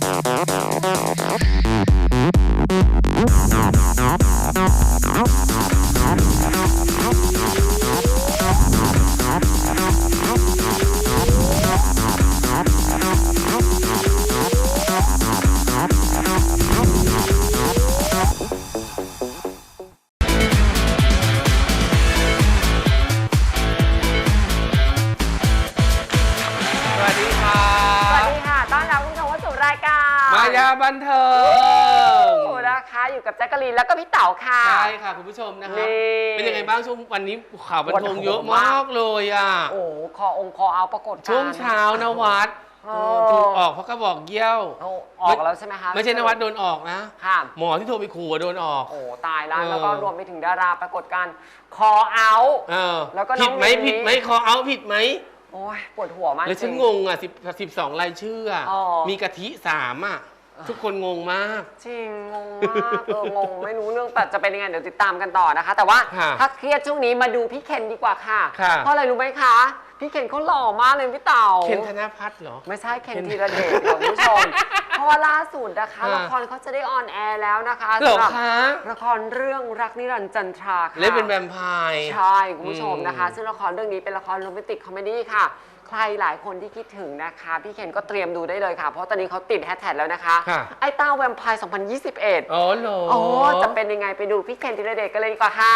มายาบันเทิงนะคะอยู่กับแจ๊กกะลีนแล้วก็พี่เต๋าค่ะใช่ค่ะคุณผู้ชมนะครับเป็นยังไงบ้างช่วงวันนี้ข่าวบันเทิงเยอะมากเลยอ่ะโอ้คอเอาปรากฏช่วงเช้านวัดถูกออกเพราะก็บอกเยี่ยวออกแล้วใช่ไหมคะไม่ใช่นวัดโดนออกนะค่ะหมอที่โทรไปขู่โดนออกโอ้ตายแล้วก็รวมไปถึงดาราปรากฏการคอเอาแล้วก็ผิดไหมคอเอาผิดไหมโอ้ยปวดหัวมากแล้วฉันงงอ่ะ12รายชื่อมีกะทิ3อ่ะทุกคนงงมากจริงงงมากงงไม่รู้เรื่องแต่จะเป็นยังไงเดี๋ยวติดตามกันต่อนะคะแต่ว่าถ้าเครียดช่วงนี้มาดูพี่เคนดีกว่าค่ะเพราะอะไรรู้ไหมคะพี่เคนเขาหล่อมากเลยพี่เต่าเคนธนภัทรเหรอไม่ใช่เคนธีรเดชคุณผู้ชมเพราะว่าล่าสุดนะคะละครเขาจะได้ออนแอร์แล้วนะคะสำหรับละครเรื่องรักนิรันดร์จันทราค่ะเล่นเป็นแวมไพร์ใช่คุณผู้ชมนะคะซึ่งละครเรื่องนี้เป็นละครโรแมนติกคอมเมดี้ค่ะใครหลายคนที่คิดถึงนะคะพี่เคนก็เตรียมดูได้เลยค่ะเพราะตอนนี้เขาติดแฮชแท็กแล้วนะคะไอ้เต้าแวมไพร์2021 อ๋อเหรอจะเป็นยังไงไปดูพี่เคนธีรเดชกันเลยดีกว่าค่ะ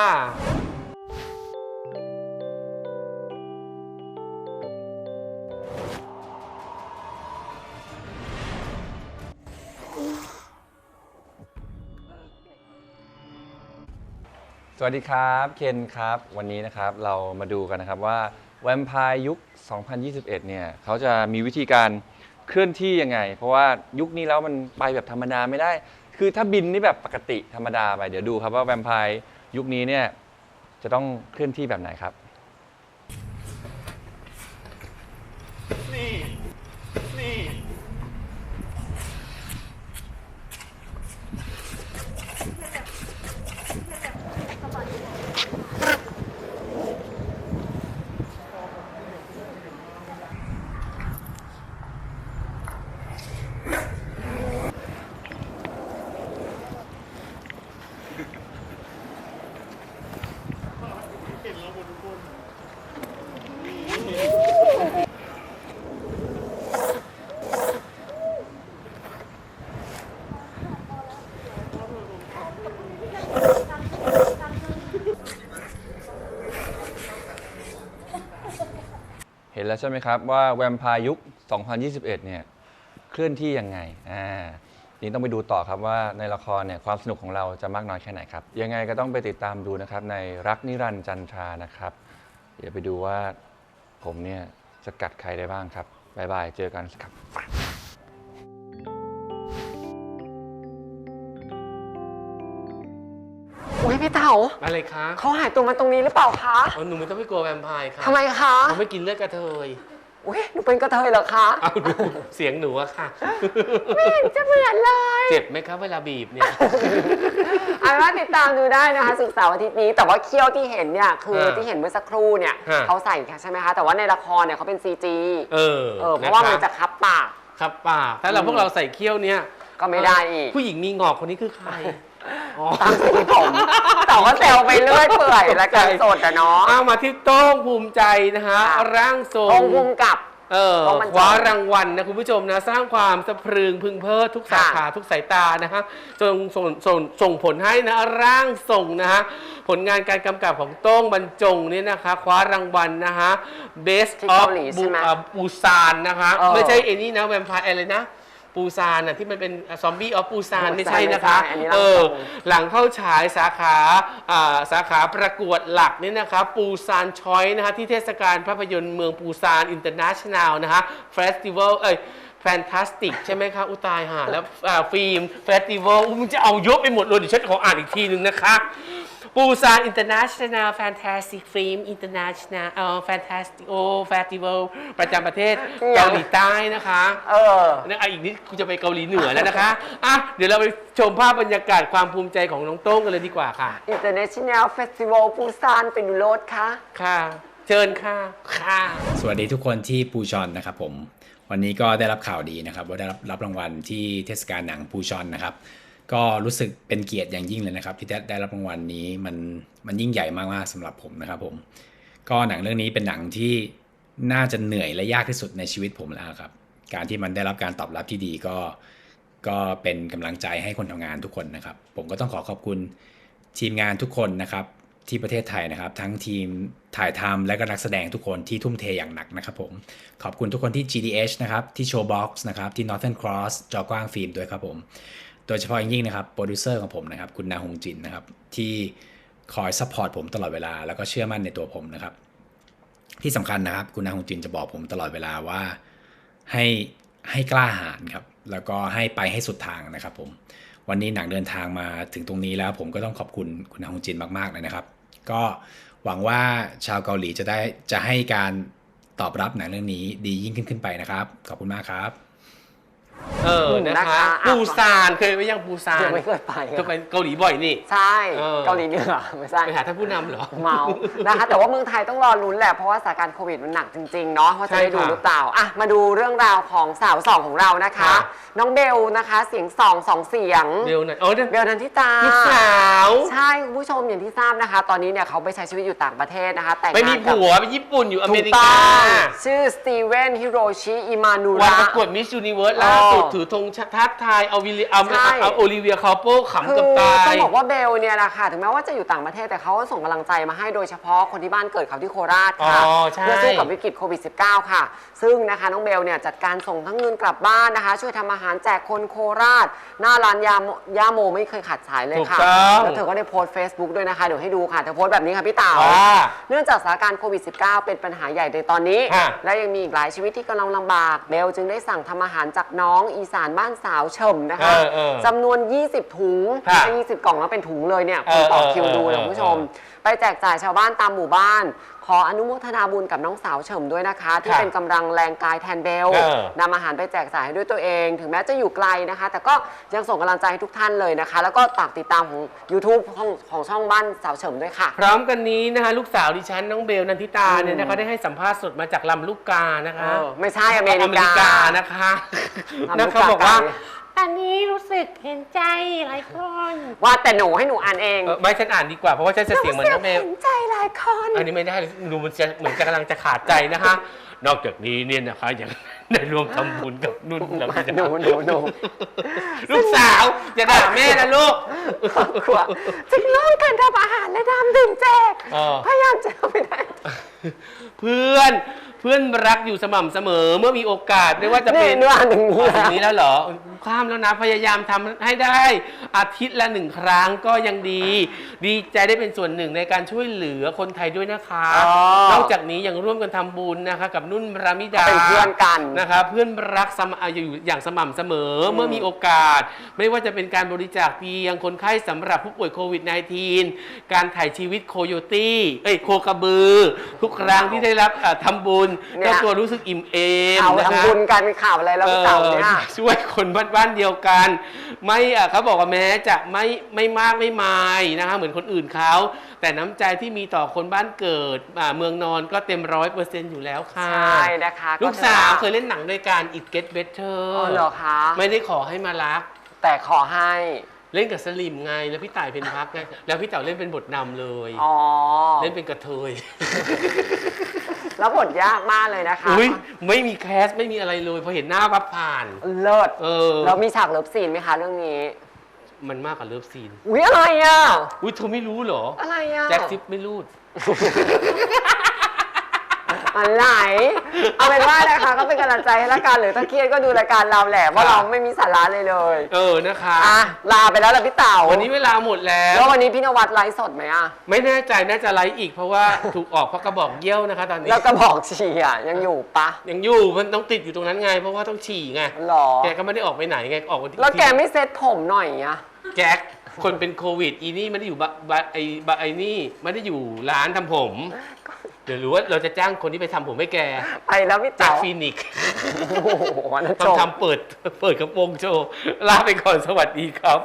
สวัสดีครับเคนครับวันนี้นะครับเรามาดูกันนะครับว่าแวมไพร์ยุค 2021 เนี่ยเขาจะมีวิธีการเคลื่อนที่ยังไงเพราะว่ายุคนี้แล้วมันไปแบบธรรมดาไม่ได้คือถ้าบินนี่แบบปกติธรรมดาไปเดี๋ยวดูครับว่าแวมไพร์ยุคนี้เนี่ยจะต้องเคลื่อนที่แบบไหนครับนี่เห็นแล้วใช่ไหมครับว่าแวมไพร์ยุค 2021 เนี่ยเคลื่อนที่ยังไงนี่ต้องไปดูต่อครับว่าในละครเนี่ยความสนุกของเราจะมากน้อยแค่ไหนครับยังไงก็ต้องไปติดตามดูนะครับในรักนิรันดร์จันทรานะครับเดี๋ยวไปดูว่าผมเนี่ยจะกัดใครได้บ้างครับบ๊ายบายเจอกันครับอุ้ยพี่เต๋าอะไรคะเขาหายตัวมาตรงนี้หรือเปล่าคะหนูไม่ต้องไปกลัวแวมไพร์ค่ะทำไมคะหนูไม่กินเลือดกระเทยอุ้ยหนูเป็นกระเทยเหรอคะเอาดูเสียงหนูอะค่ะไม่เห็นจะเหมือนเลยเจ็บไหมครับเวลาบีบเนี่ยเอาว่าติดตามดูได้นะคะศุกร์เสาร์อาทิตย์นี้แต่ว่าเขี้ยวที่เห็นเนี่ยคือที่เห็นเมื่อสักครู่เนี่ยเขาใส่ใช่ไหมคะแต่ว่าในละครเนี่ยเขาเป็น CG เพราะว่ามันจะคับปากถ้าพวกเราใส่เขี้ยวเนี่ยก็ไม่ได้อีกผู้หญิงมีงอกคนนี้คือใครตามสีผมแต่ว่าแซวไปเรื่อยเปื่อยและการสดอะเนาะเอามาที่โต้งภูมิใจนะฮะร่างทรงภูมิกับคว้ารางวัลนะคุณผู้ชมนะสร้างความสะพรึงพึงเพลิดทุกสาขาทุกสายตานะฮะจนส่งผลให้นะร่างทรงนะฮะผลงานการกำกับของโต้งบรรจงนี่นะคะคว้ารางวัลนะฮะ Best of Busan นะคะไม่ใช่เอนี่นะแวมไพร์อะไรนะปูซานที่มันเป็นซอมบี้ออฟปูซานไม่ใช่นะคะหลังเข้าฉายสาขาประกวดหลักนี่นะคะปูซานชอยนะคะที่เทศกาลภาพยนตร์เมืองปูซานอินเตอร์เนชั่นแนลนะคะเฟสติวัลแฟนตาสติกใช่ไหมคะอุตายหาแล้วฟิล์มเฟสติวัลมันจะเอายกไปหมดเลยเดี๋ยวฉันขออ่านอีกทีนึงนะคะปูซานอินเตอร์เนชั่นแนลแฟนตาสติกฟิล์มอินเตอร์เนชั่นแนลแฟนตาสติกเฟสติวัลประจำประเทศเกาหลีใต้นะคะอีกนิดคุณจะไปเกาหลีเหนือแล้วนะคะเดี๋ยวเราไปชมภาพบรรยากาศความภูมิใจของน้องโต้งกันเลยดีกว่าค่ะ International Festival ปูซานเป็นโรดค่ะเชิญค่ะสวัสดีทุกคนที่ปูชอนนะครับผมวันนี้ก็ได้รับข่าวดีนะครับว่าได้รับรางวัลที่เทศกาลหนังปูชอนนะครับก็รู้สึกเป็นเกียรติอย่างยิ่งเลยนะครับที่ได้รับรางวัลนี้มันยิ่งใหญ่มากๆสำหรับผมนะครับผมก็หนังเรื่องนี้เป็นหนังที่น่าจะเหนื่อยและยากที่สุดในชีวิตผมแล้วครับการที่มันได้รับการตอบรับที่ดีก็เป็นกำลังใจให้คนทำงานทุกคนนะครับผมก็ต้องขอบคุณทีมงานทุกคนนะครับที่ประเทศไทยนะครับทั้งทีมถ่ายทำและก็นักแสดงทุกคนที่ทุ่มเทอย่างหนักนะครับผมขอบคุณทุกคนที่ GDH นะครับที่ Showbox นะครับที่ Northern Cross จอกว้างฟิล์มด้วยครับผมโดยเฉพาะอย่างยิ่งนะครับโปรดิวเซอร์ของผมนะครับคุณนาฮงจินนะครับที่คอยซัพพอร์ตผมตลอดเวลาแล้วก็เชื่อมั่นในตัวผมนะครับที่สำคัญนะครับคุณนาฮงจินจะบอกผมตลอดเวลาว่าให้กล้าหาญครับแล้วก็ให้ไปให้สุดทางนะครับผมวันนี้หนังเดินทางมาถึงตรงนี้แล้วผมก็ต้องขอบคุณคุณนาฮงจินมากๆเลยนะครับก็หวังว่าชาวเกาหลีจะให้การตอบรับหนังเรื่องนี้ดียิ่งขึ้นไปนะครับขอบคุณมากครับนะคะปูซานเคยไปยังปูซานไม่เคยไปจะไปเกาหลีบ่อยนี่ใช่เกาหลีเหนือไม่ใช่ไปหาท่านผู้นำเหรอเมานะคะแต่ว่าเมืองไทยต้องรอลุ้นแหละเพราะว่าสถานการณ์โควิดมันหนักจริงๆเนาะว่าจะได้ดูหรือเปล่าอ่ะมาดูเรื่องราวของสาวสองของเรานะคะน้องเบลนะคะเสียงสองเสียงเบลนันทิตาลูกสาวใช่คุณผู้ชมอย่างที่ทราบนะคะตอนนี้เนี่ยเขาไปใช้ชีวิตอยู่ต่างประเทศนะคะแต่งงานไม่มีผัวไปญี่ปุ่นอยู่อเมริกาชื่อสตีเวนฮิโรชิอิมานูระวันประกวดมิสยูนิเวิร์สล่าสุดถือธงทัพไทยเอาโอลิเวียคาโป้ขำกับตายต้องบอกว่าเบลเนี่ยนะคะถึงแม้ว่าจะอยู่ต่างประเทศแต่เขาส่งกำลังใจมาให้โดยเฉพาะคนที่บ้านเกิดเขาที่โคราชค่ะเพื่อสู้กับวิกฤตโควิด -19 ค่ะซึ่งนะคะน้องเบลเนี่ยจัดการส่งทั้งเงินกลับบ้านนะคะช่วยทำอาหารแจกคนโคราชหน้าร้านย่าโมไม่เคยขาดสายเลยค่ะแล้วเธอก็ได้โพสต์ Facebook ด้วยนะคะเดี๋ยวให้ดูค่ะเธอโพสต์แบบนี้ค่ะพี่เต๋าเนื่องจากสถานการณ์โควิด -19 เป็นปัญหาใหญ่ในตอนนี้และยังมีอีกหลายชีวิตที่กำลังลำบากเบลจึงได้สั่งทำอาหารจากน้องอีสานบ้านสาวเฉิมนะคะจำนวน20ถุง20กล่องแล้วเป็นถุงเลยเนี่ยคุณต่อคิวดูเลยคุณผู้ชมไปแจกจ่ายชาวบ้านตามหมู่บ้านขออนุโมทนาบุญกับน้องสาวเฉิมด้วยนะคะที่เป็นกำลังแรงกายแทนเบลนำอาหารไปแจกจ่ายให้ด้วยตัวเองถึงแม้จะอยู่ไกลนะคะแต่ก็ยังส่งกำลังใจให้ทุกท่านเลยนะคะแล้วก็ฝากติดตามของ YouTube ของช่องบ้านสาวเฉิมด้วยค่ะพร้อมกันนี้นะคะลูกสาวดิฉันน้องเบลนันทิตาเนี่ยนะคะได้ให้สัมภาษณ์สดมาจากลำลูกกานะคะไม่ใช่อเมริกานะคะนะคะบอกว่าตอนนี้รู้สึกเห็นใจหลายคนว่าแต่หนูให้หนูอ่านเองไม่ฉันอ่านดีกว่าเพราะว่าฉันจะเสียงเหมือนน้องเบลเห็นใจหลายคนอันนี้ไม่ได้ดูมันจะเหมือนจะกำลังจะขาดใจนะคะนอกจากนี้เนี่ยนะคะยังได้ร่วมทำบุญกับนุ่นแล้วก็หนูลูกสาวจะด่าแม่นะลูกจึงเริ่มการทำอาหารและทำดื่มแจกพยายามจะไม่ได้เพื่อนรักอยู่สม่ำเสมอเมื่อมีโอกาสไม่ว่าจะเป็นเนื้ออันนี้แล้วเหรอข้ามแล้วนะพยายามทำให้ได้อาทิตย์ละ1 ครั้งก็ยังดีใจได้เป็นส่วนหนึ่งในการช่วยเหลือคนไทยด้วยนะคะนอกจากนี้ยังร่วมกันทำบุญนะคะกับนุ่นรามิดาเป็นเพื่อนกันนะคะเพื่อนรักอยู่อย่างสม่ำเสมอเมื่อมีโอกาสไม่ว่าจะเป็นการบริจาคเตียงคนไข้สำหรับผู้ป่วยโควิด -19 การถ่ายชีวิตโคโยตี้โคกระบือทุกครั้งที่ได้รับทำบุญก็ตัวรู้สึกอิ่มเอมนะคะทำบุญกันมีข่าวอะไรแล้วเต่าเนี่ยช่วยคนบ้านเดียวกันไม่เขาบอกว่าแม้จะไม่มากไม่มายนะคะเหมือนคนอื่นเขาแต่น้ำใจที่มีต่อคนบ้านเกิดเมืองนอนก็เต็ม100%อยู่แล้วค่ะใช่นะคะลูกสาวเคยเล่นหนังด้วยกัน It Get Better เหรอคะไม่ได้ขอให้มารักแต่ขอให้เล่นกับสลิมไงแล้วพี่ต่ายเพนพักไงแล้วพี่เต๋าเล่นเป็นบทนำเลยเล่นเป็นกระเทยแล้วบทยากมากเลยนะคะไม่มีแคสไม่มีอะไรเลยพอเห็นหน้าปั๊บผ่านเลิศแล้วมีฉากเลิฟซีนไหมคะเรื่องนี้มันมากกว่าเลิฟซีนอะไรอ่ะเธอไม่รู้เหรออะไรอ่ะแจ็คซิปไม่รู้อะไรเอาเป็นว่านะคะก็เป็นกำลังใจให้ละกันหรือถ้าเครียดก็ดูรายการเราแหละว่าเราไม่มีสาระเลยนะคะลาไปแล้วล่ะพี่เต๋าวันนี้เวลาหมดแล้ววันนี้พี่นวัดไลฟ์สดไหมอ่ะไม่แน่ใจน่าจะไลฟ์อีกเพราะว่าถูกออกเพราะกระบอกเยี่ยวนะคะตอนนี้แล้วกระบอกฉี่อ่ะยังอยู่ปะยังอยู่มันต้องติดอยู่ตรงนั้นไงเพราะว่าต้องฉี่ไงแกก็ไม่ได้ออกไปไหนไงออกวันที่แล้วแกไม่เซ็ตผมหน่อยอ่ะแจ็คคนเป็นโควิดอีนี่ไม่ได้อยู่ไอ้นี่ไม่ได้อยู่ร้านทำผมเดี๋ยวรู้ว่าเราจะจ้างคนที่ไปทำผมให้แกไปแล้วพี่จากฟินิกทำเปิดกระโปรงโชว์ลาไปก่อนสวัสดีครับ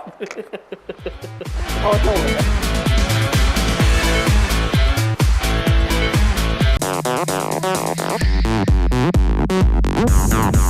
โอ้โห